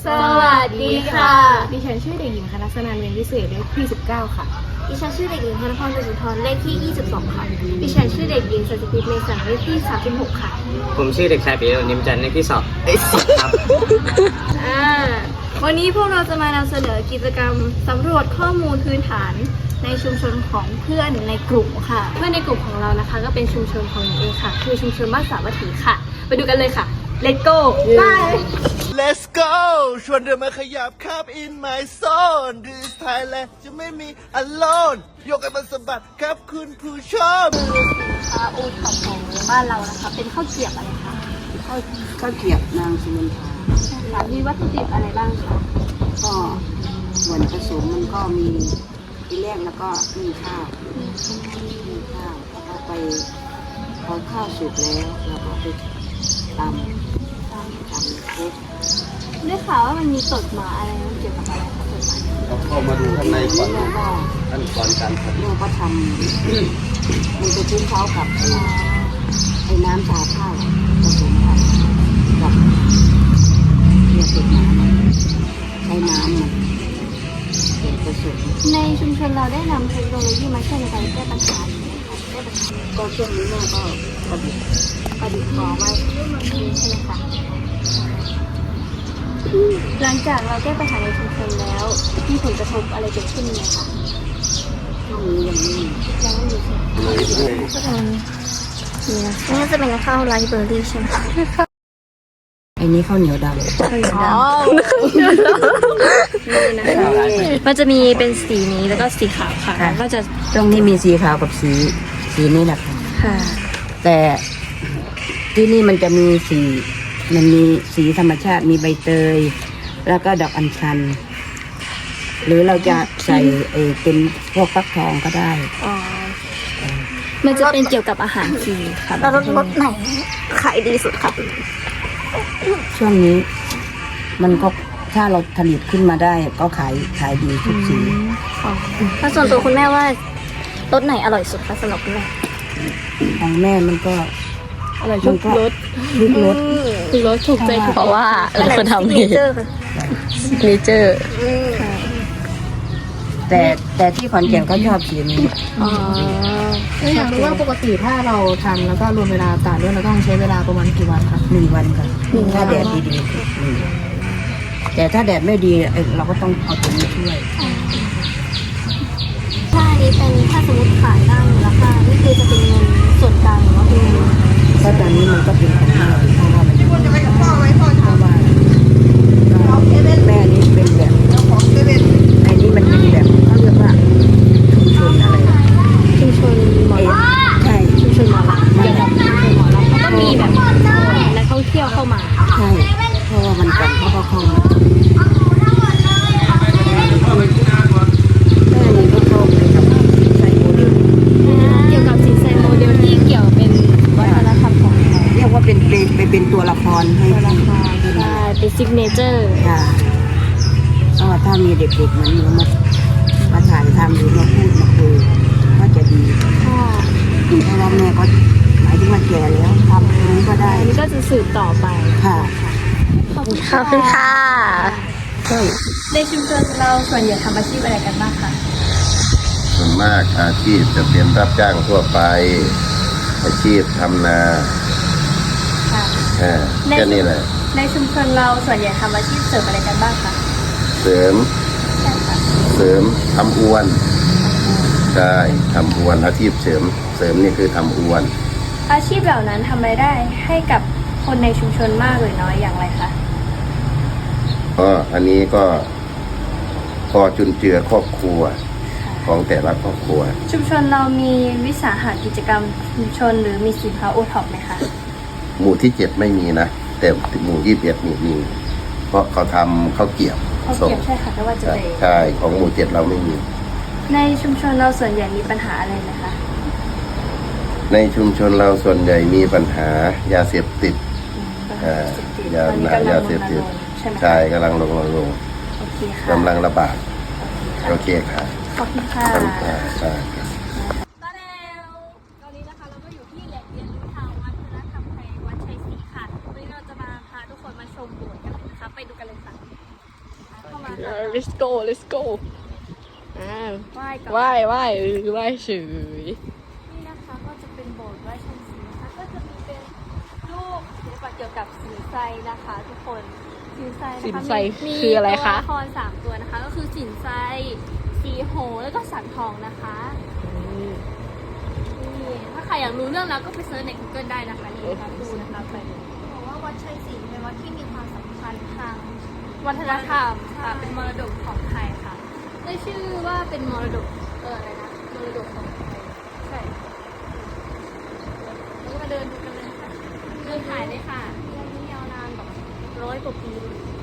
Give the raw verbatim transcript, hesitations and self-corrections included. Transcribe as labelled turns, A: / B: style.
A: สวัสดีค่ะ
B: ดิฉันชื่อเด็กหญิงคณะสนานเวียนวิเศษเลขที่สิบเก้าค่ะ
A: ดิฉันชื่อเด็กหญิงธนพร สุนทรเลขที่ยี่สิบสองค่ะดิฉันชื่อเด็กหญิงสัจพิตเมสันเลขที่สามสิบหกค่ะ
C: ผมชื่อเด็กชายปิยะนิมจันทร์เลขที่สองเอ้ยสิบครับ
A: อ่าวันนี้พวกเราจะมานำเสนอกิจกรรมสำรวจข้อมูลพื้นฐานในชุมชนของเพื่อนในกลุ่มค่ะ
B: เพื่อนในกลุ่มของเรานะคะก็เป็นชุมชนของหนูเองค่ะคือชุมชนบ้านสาวัตถีค่ะไปดูกันเลยค่ะ Let's go
A: ไป
D: Let's go ชวนเดินมาขยับครับ in my zone This Thailand จะไม่มี alone ยกให้มันสะบัดครับคุณผู้ชม
A: สินค้าโอท็อปของบ้านเรานะคะเป็นข้าวเกรี๊ยวอะไรคะ
E: ข้าวข้าวเกรี๊ยวนางสุวรรณภา
A: ใช่ค่ะมีวัตถุดิบอะไรบ้างคะ
E: ก็ส่วนผสมมันก็มีทีแรกแล้วก็มีข้าวมีข้าวแล้วก็ไปพอข้าวสุกแล้วเราก็ไปตำตำตำคลุก
A: ได้ข่าวว่ามันมีตดหมาอะไรเกี่ยวกับอะไรคะตดหมา
D: เราเข้ามาดูข้างในก่อน
E: แล้วก็
D: ขั้นตอนการผลิต
E: เราก็ทำมันจะชิ้นเขากับไอ้ไอ้น้ำชาข้าวผสมกันกับเกลือตดหมาใช้น้ำมันเป็นผสม
A: ในชุมชนเราได้นำเทคโนโลยีมาใช้ในการแก้ปัญหาแก้ปัญหา
E: ก็ช่วงนี้แม่ก็ประดิษฐ์
A: ประดิษฐ์ขอไว้ใช่ไหมคะหลังจากเราแก้ปัญหาในชุมชนแล้วมีผลกระทบอะไรเกิดขึ้นไหมคะ
E: ช่วงนี้ยังไม่
A: ยังไม่มีใช่ไหมทุกคนนี่นะนี่จะเป็นข้าวไรซ์เบอร์รี่ใช่ไหม
E: ไอ้นี้ข้าวเหนียวดำ
A: ข้าวเหนียวดำนี่นะคะมันจะมีเป็นสีนี้แล้วก็สีขาวค่ะแล้วก็จะ
E: ตรงนี้มีสีขาวกับสีสีนี้แหละ
A: ค่ะ
E: แต่ที่นี่มันจะมีสีมันมีสีธรรมชาติมีใบเตยแล้วก็ดอกอัญชันหรือเราจะใส่เอเป็นพวกฟักทองก็ได้
A: อ๋อมันจะเป็นเกี่ยวกับอาหารฟรีค่ะแล้วรสไหนขายดีสุดค่ะ
E: ช่วงนี้มันก็ถ้าเราผลิตขึ้นมาได้ก็ขายขายดีทุกสี
A: ถ้าส่วนตัวคุณแม่ว่ารสไหนอร่อยสุดคะสำหรับคุณแม่
E: ของแม่มันก็
B: อร่อยทุกรส
E: ทุกรส
B: ทุกรสถูกใจเพราะว่าเราคนทำเองเนเจอร์
E: แต่แต่ที่ขอนแก่นเขาชอบสีนี้
B: อ๋อแล้วอยากรู้ว่าปกติถ้าเราทำแล้วก็รวมเวลาตากด้วยเราต้องใช้เวลาประมาณกี่วันคะ
E: หนึ่งวันค่ะถ้าแดดดีๆแต่ถ้าแดดไม่ดีเราก็ต้องเอาตัวนี้ช่วย
A: ถ้าอันนี้เป็นถ้าสมมติขายได้มูลค่านี่คือจะเป็นเงินส่วนกลางหรือว่าเป็นเงิน
E: ถ้าตอนนี้มันก็เป็นของแม่เพราะว่ามันเพราะว่าแม่นี้เป็นแบบไอ้นี่มันเป็นแบบเขาเรียกว่าชุมชนอะไร
A: ชุมชนหมอล
E: ำใช่
A: ชุมชนหมอลำเกี่ยวกับชุมชนหมอลำแล้วก็มีแบบนักท่องเที่ยวเข้ามา
E: ใช่เพราะว่ามันกันเขาก็เข้ามาแม่นี่ก็เข้าไปกับใส่โมเดล
A: เกี่ยวกับสินแสโมเดลที่เกี่ยวเป็นวัฒนธรรมของ
E: เรียกว่าเป็นไปเป็นตัวละครให้
A: ตัวละครใช่เป็นซิกเนเจอร์
E: ค่ะก็ถ้ามีเด็กๆมันมามาถ่ายทำหรือมาพูดมาคุยก็จะดี
A: ค่ะ
E: เพราะว่าแม่ก็หมายถึงว่าแก่แล้วทำตรงนี้ก็ได้
A: นี่ก็จะสืบต่อไป
E: ค่ะ
A: ขอบคุณค่ะในชุมชนเราส่วนใหญ่ทำอาชีพอะไรกันบ้างคะ
D: ส่วนมากอาชีพจะเป็นรับจ้างทั่วไปอาชีพทำนา
A: ค่ะ
D: แค่นี้แหละ
A: ในชุมชนเราส่วนใหญ่ทำอาชีพเสริมอะไรกันบ้างคะ
D: เสริมเสริมทำอวนใช่ทำอวนอาชีพเสริมเสริมนี่คือทำอวน
A: อาชีพเหล่านั้นทำรายได้ให้กับคนในชุมชนมากหรือน้อยอย่างไรคะ
D: ก็อันนี้ก็พอจุนเจือครอบครัวของแต่ละครอบครัว
A: ชุมชนเรามีวิสาหกิจกรรมชุมชนหรือมีสินค้าโอท็อปไหมคะ
D: หมู่ที่เจ็ดไม่มีนะแต่หมู่ยี่สิบเอ็ดมีมีเพราะเขาทำข้าวเกรี๊ยว
A: ข้าวเกรี๊ยวใช่ค่ะแต่ว่าจะได้
D: ใช่ของหมู่เจ็ดเราไม่มี
A: ในชุมชนเราส่วนใหญ่มีปัญหาอะไรไหมคะ
D: ในชุมชนเราส่วนใหญ่มีปัญหายาเสพติด
A: ยายาเสพติด
D: ใช่กำลังลงลงลงกำลังระบาดโอเคค่ะ
A: ขอบคุณค่ะ
D: ขอบคุณค่ะ
A: ตอนนี้นะคะเราก็อยู่ที่แหล่งเรียนรู้ทางวัฒนธรรมไทยวัดชัยศรีค่ะวันนี้เราจะมาพาทุกคนมาชมโบสถ์กันนะคะไปดูกันเลยค่ะ
F: let's go let's go อ่า
A: ไหว้ก่อน
F: ไหว้ไหว้เออไหว้เฉย
A: นี่นะคะก็จะเป็นโบสถ์ไหว้ชันศรีนะคะก็จะมีเป็นรูปศิลปะเกี่ยวกับสินไซนะคะ ทุกคนสินไซนะคะ
F: สินไซ
A: มี
F: คืออะไรคะ
A: มีตัวละครสามตัวนะคะ ก็คือสินไซสีโหแล้วก็สังทองนะคะนี่ถ้าใครอยากรู้เรื่องแล้วก็ไปเซิร์ชใน Google ได้นะคะนี่นะคะดูนะคะไปบอกว่าวัดชัยศรีเป็นวัดที่มีความสำคัญทางวัฒนธรรมค่ะเป็นมรดกของไทยค่ะได้ชื่อว่าเป็นมรดกเอออะไรนะมรดกของไทยใช่แล้วก็มาเดินดูกันเลยค่ะเดินถ่ายเลยค่ะเรื่องนี้ยาวนานแบบร้อยกว่าปี